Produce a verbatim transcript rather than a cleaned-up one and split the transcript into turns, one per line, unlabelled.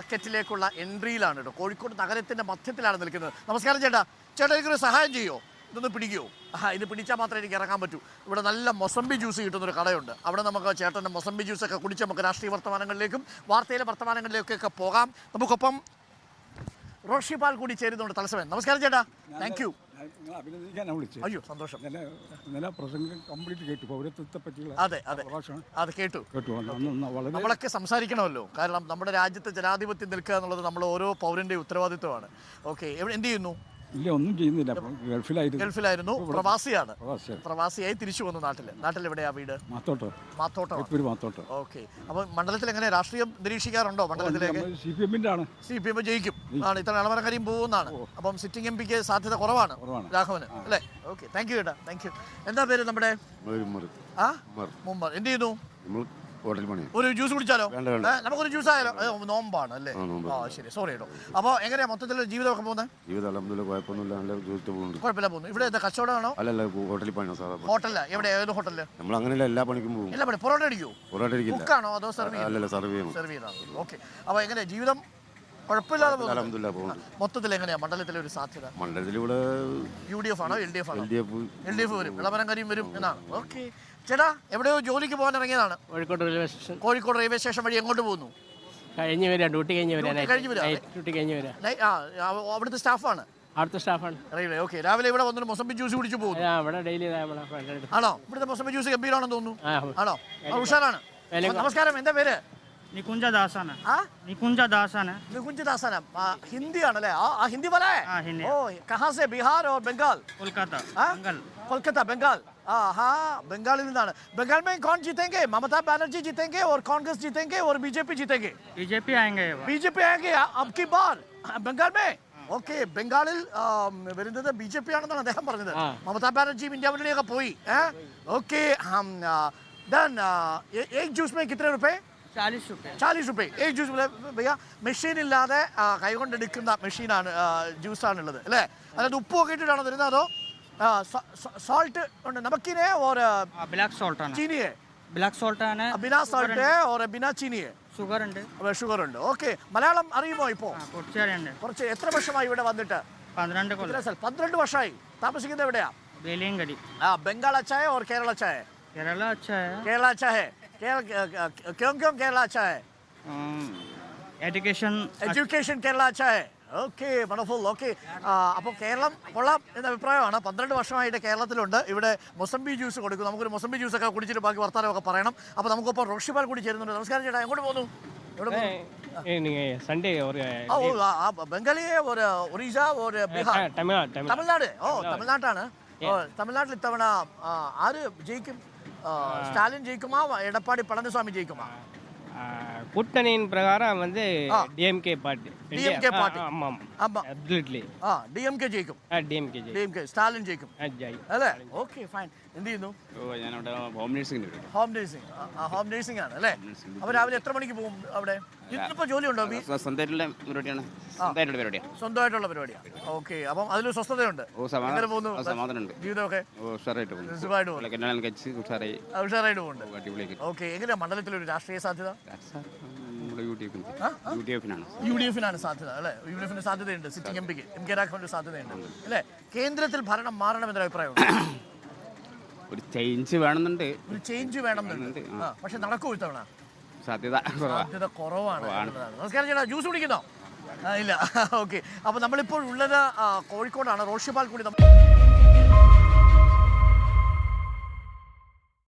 മാർക്കറ്റിലേക്കുള്ള എൻട്രിയിലാണ് കേട്ടോ. കോഴിക്കോട് നഗരത്തിൻ്റെ മധ്യത്തിലാണ് നിൽക്കുന്നത്. നമസ്കാരം ചേട്ടാ. ചേട്ടാ എനിക്കൊരു സഹായം ചെയ്യുമോ? ഇതൊന്ന് പിടിക്കുമോ? ആ ഇത് പിടിച്ചാൽ മാത്രമേ എനിക്ക് ഇറങ്ങാൻ പറ്റൂ. ഇവിടെ നല്ല മൊസംബി ജ്യൂസ് കിട്ടുന്നൊരു കടയുണ്ട്. അവിടെ നമുക്ക് ചേട്ടൻ്റെ മൊസംബി ജ്യൂസൊക്കെ കുടിച്ച് നമുക്ക് രാഷ്ട്രീയ വർത്തമാനങ്ങളിലേക്കും വാർത്തയിലെ വർത്തമാനങ്ങളിലേക്കൊക്കെ പോകാം. നമുക്കൊപ്പം റോഷിപാൽ കൂടി ചേരുന്നുണ്ട് തലസമയം. നമസ്കാരം ചേട്ടാ. Thank U.
അഭിനന്ദിക്കാനാണ് വിളിച്ചത്.
അയ്യോ സന്തോഷം.
ഇന്നലെ പ്രസംഗം കംപ്ലീറ്റ് കേട്ടു. പൗരത്വത്തെ പറ്റിയുള്ള
അതെ അതെ അത് കേട്ടു
കേട്ടു. വളരെ
നമ്മളൊക്കെ സംസാരിക്കണമല്ലോ. കാരണം നമ്മുടെ രാജ്യത്ത് ജനാധിപത്യം നിൽക്കുക എന്നുള്ളത് നമ്മൾ ഓരോ പൗരൻ്റെയും ഉത്തരവാദിത്വമാണ്. ഓക്കെ, എവിടെ എന്ത് ചെയ്യുന്നു?
ഇല്ല, ഒന്നും ചെയ്യുന്നില്ല. ഗൾഫിലായിരുന്നു.
ഗൾഫിലായിരുന്നു. പ്രവാസിയാണ്. പ്രവാസിയായി തിരിച്ചു വന്നു നാട്ടിൽ. നാട്ടിൽ എവിടെയാ വീട്?
മാത്തോട്ടോ.
മാത്തോട്ടോ.
മാത്തോട്ടോ.
ഓക്കെ. അപ്പോൾ മണ്ഡലത്തിൽ എങ്ങനെ രാഷ്ട്രീയം നിരീക്ഷിക്കാറുണ്ടോ? മണ്ഡലത്തിലേക്ക്
സി പി എമ്മിൻ്റെ ആണ്.
സി പി എം ജയിക്കും ആണ്. ഇത്ര ഇളവരങ്കരിയും പോകുന്നതാണ്. അപ്പം സിറ്റിംഗ് എം പിക്ക് സാധ്യത കുറവാണ് രാഘവന് അല്ലേ? ഓക്കെ, താങ്ക് യു ചേട്ടാ. Thank you. എന്താ പേര് നമ്മുടെ? ആ മുമ്പർ. എന്ത് ചെയ്യുന്നു? ഒരു ജ്യൂസ് കുടിച്ചാലോ? നമുക്കൊരു ജ്യൂസ് ആയാലോ? നോമ്പാണ് അല്ലേ? ആ ശരി, സോറി കേട്ടോ. അപ്പോൾ എങ്ങനെയാ മൊത്തത്തിൽ ജീവിതമൊക്കെ പോകുന്നത്? കുഴപ്പമില്ല പോകുന്നു. ഇവിടെ എന്താ കച്ചവടമാണോ? ഹോട്ടലില്ല. എവിടെ? ഏത് ഹോട്ടലില്?
എല്ലാ പണിക്കും പോകും.
എല്ലാ പണി പൊറോട്ട അടിക്കുമോ? കുക്കാണോ അതോ സെർവ് സെർവ് ചെയ്താണോ? ഓക്കെ. അപ്പോൾ എങ്ങനെയാ ജീവിതം? കുഴപ്പമില്ലാതെ പോകുന്നു. മൊത്തത്തിൽ എങ്ങനെയാ മണ്ഡലത്തിലെ ഒരു സാധ്യത?
മണ്ഡലത്തിൽ ഇവിടെ
യു ഡി എഫ് ആണോ എൽ ഡി എഫ് ആണോ? എൽ ഡി എഫ് വരും. ഇളവരങ്കരിയും വരും എന്നാണ്. ഓക്കെ ചേട്ടാ, എവിടെയോ ജോലിക്ക് പോകാൻ ഇറങ്ങിയതാണ്.
Kozhikode railway station.
Kozhikode railway station വഴി എങ്ങോട്ട് പോകുന്നു?
കഴിഞ്ഞ് വരാം, ഡ്യൂട്ടി കഴിഞ്ഞ് വരാം. ഡ്യൂട്ടി കഴിഞ്ഞ് വരാം.
അവിടുത്തെ സ്റ്റാഫാണ്?
അവിടുത്തെ സ്റ്റാഫാണ്
റെയിൽവേ. ഓക്കെ. രാവിലെ ഇവിടെ വന്നിട്ട് മൊസംബി ജ്യൂസ് കുടിച്ച് പോകുന്നു
ഇവിടെ ഡെയിലി.
ആണോ? ഇവിടുത്തെ മൊസംബി ജ്യൂസ് ഗംഭീരാണെന്ന് തോന്നുന്നു. ആണോ? ഉഷാറാണ്. നമസ്കാരം. എന്താ പേര്?
निकुंजा दासन है। हाँ? निकुंजा दासन है।
निकुंजा दासन है। हिंदी आने आ हिंदी वाला है?
हाँ, हिंदी।
ओ कहाँ से? बिहार और बंगाल?
कोलकाता।
बंगाल। कोलकाता बंगाल। हाँ हाँ, बंगाल निदान। बंगाल में कौन जीतेंगे? ममता बनर्जी जीतेंगे और कांग्रेस जीतेंगे और बीजेपी जीतेंगे?
बीजेपी आएंगे।
बीजेपी आएंगे अब की बार बंगाल में. ഓക്കെ, ബംഗാളിൽ വരുന്നത് ബി ജെ പി ആണെന്നാണ് അദ്ദേഹം പറഞ്ഞത്. മമതാ ബാനർജിയും ഇന്ത്യ മുന്നണിയൊക്കെ പോയി. ഓക്കെ, एक जूस में कितने रुपए?
चालीस रुपये.
चालीस रुपये एक ജ്യൂസ്. ഭയ്യ മെഷീൻ ഇല്ലാതെ കൈകൊണ്ടെടുക്കുന്ന മെഷീനാണ് ജ്യൂസാണുള്ളത് അല്ലേ? അതായത് ഉപ്പൊക്കെ ഇട്ടിട്ടാണോ തരുന്നത് അതോ സോൾട്ട് ഉണ്ട്? നമക്കിനെ और
ब्लैक सॉल्ट है.
चीनी है.
ब्लैक सॉल्ट है.
बिना सॉल्ट है और बिना चीनी है.
ഷുഗർ ഉണ്ട്.
ഷുഗർ ഉണ്ട്. ഓക്കെ. മലയാളം അറിയുമോ? ഇപ്പോൾ കുറച്ച്. എത്ര വർഷമായി ഇവിടെ വന്നിട്ട്?
പന്ത്രണ്ട് കൊല്ലം.
പന്ത്രണ്ട് വർഷമായി. താമസിക്കുന്നത് എവിടെയാ?
വേലിയങ്കടി.
ആ ബംഗാൾ അച്ചാ ഹൈ और केरल अच्छा है?
केरला अच्छा है.
केरला अच्छा है. क्यों क्यों केरला अच्छा है?
एजुकेशन
एजुकेशन केरला अच्छा है. Okay, wonderful. ഓക്കെ, അപ്പോൾ കേരളം കൊള്ളാം എന്ന അഭിപ്രായമാണ്. പന്ത്രണ്ട് വർഷമായിട്ട് കേരളത്തിലുണ്ട്. ഇവിടെ മൊസംബി ജ്യൂസ് കൊടുക്കും. നമുക്കൊരു മൊസംബി ജ്യൂസൊക്കെ കുടിച്ചിട്ട് ബാക്കി വർത്താനമൊക്കെ പറയണം. അപ്പോൾ നമുക്കിപ്പോൾ റോഷിപാൽ കൂടി ചേരുന്നുണ്ട്. നമസ്കാരം ചേട്ടാ. എങ്ങോട്ട് പോകുന്നു?
സൺഡേ
ബംഗാളി ഒറീസ ബീഹാർ തമിഴ്നാട്. ഓ തമിഴ്നാട്ടാണ്. തമിഴ്നാട്ടിൽ ഇത്തവണ ആര് ജയിക്കും? സ്റ്റാലിൻ ജയിക്കുമാ എടപ്പാടി പളനിസ്വാമി ജയിക്കുമാ?
கூட்டணியின் பிரகாரம் வந்து டிஎம்கே பார்ட்டி.
DMK party.
ஆமா ஆமா, அப்சல்யூட்லி.
ആ ഡിഎംകെ ജയിക്കും.
ആ ഡിഎംകെ ജയിക്കും.
ഡിഎംകെ സ്റ്റാലിൻ ജയിക്കും അല്ലേ? Okay fine. എന്ത് ചെയ്യുന്നു?
ഓ ഞാൻ അവിടെ ഹോം നഴ്സിംഗ്.
Home nursing. ആ ഹോം നഴ്സിംഗ് ആണ് അല്ലേ? അപ്പോൾ രാവിലെ എത്ര മണിക്ക് പോകും അവിടെ? ഇതിപ്പോൾ ജോലിയുണ്ടോ?
സ്വന്തമായിട്ടുള്ള പരിപാടിയാണ്. സ്വന്തമായിട്ടുള്ള പരിപാടിയാണ്.
സ്വന്തമായിട്ടുള്ള പരിപാടിയാണ്. ഓക്കെ. അപ്പം അതിലൊരു സ്വസ്ഥതയുണ്ട്. അങ്ങനെ പോകുന്നു.
സമാധാനമുണ്ട്.
ജീവിതമൊക്കെ
ഉഷാറായിട്ട് പോകുന്നു.
സുഖമായിട്ട് പോകുന്നു.
ഉഷാറായി
ഉഷാറായിട്ട് പോകുന്നുണ്ട്. ഓക്കെ. എങ്ങനെയാണ് മണ്ഡലത്തിലൊരു രാഷ്ട്രീയ സാധ്യത?
യു ഡി എഫിനാണ്.
യു ഡി എഫിനാണ് സാധ്യത അല്ലേ? യു ഡി എഫിന് സാധ്യതയുണ്ട്. സിറ്റിംഗ് എം പിക്ക് എം കെ രാഘവന് സാധ്യതയുണ്ട് അല്ലേ? കേന്ദ്രത്തിൽ ഭരണം മാറണമെന്നൊരു അഭിപ്രായമുണ്ട്.
ഒരു ചേഞ്ച് വേണമെന്നുണ്ട്.
ഒരു ചേഞ്ച് വേണമെന്നുണ്ട്. പക്ഷെ നടക്കൂ ഇത്തവണ?
സാധ്യത
സാധ്യത കുറവാണ്. നമസ്കാരം ചേട്ടാ. ജ്യൂസ് കുടിക്കുന്നോ? ഇല്ല. ഓക്കെ. അപ്പോൾ നമ്മളിപ്പോൾ ഉള്ളത് കോഴിക്കോടാണ്. റോഷിപാൽ കൂടി നമ്മൾ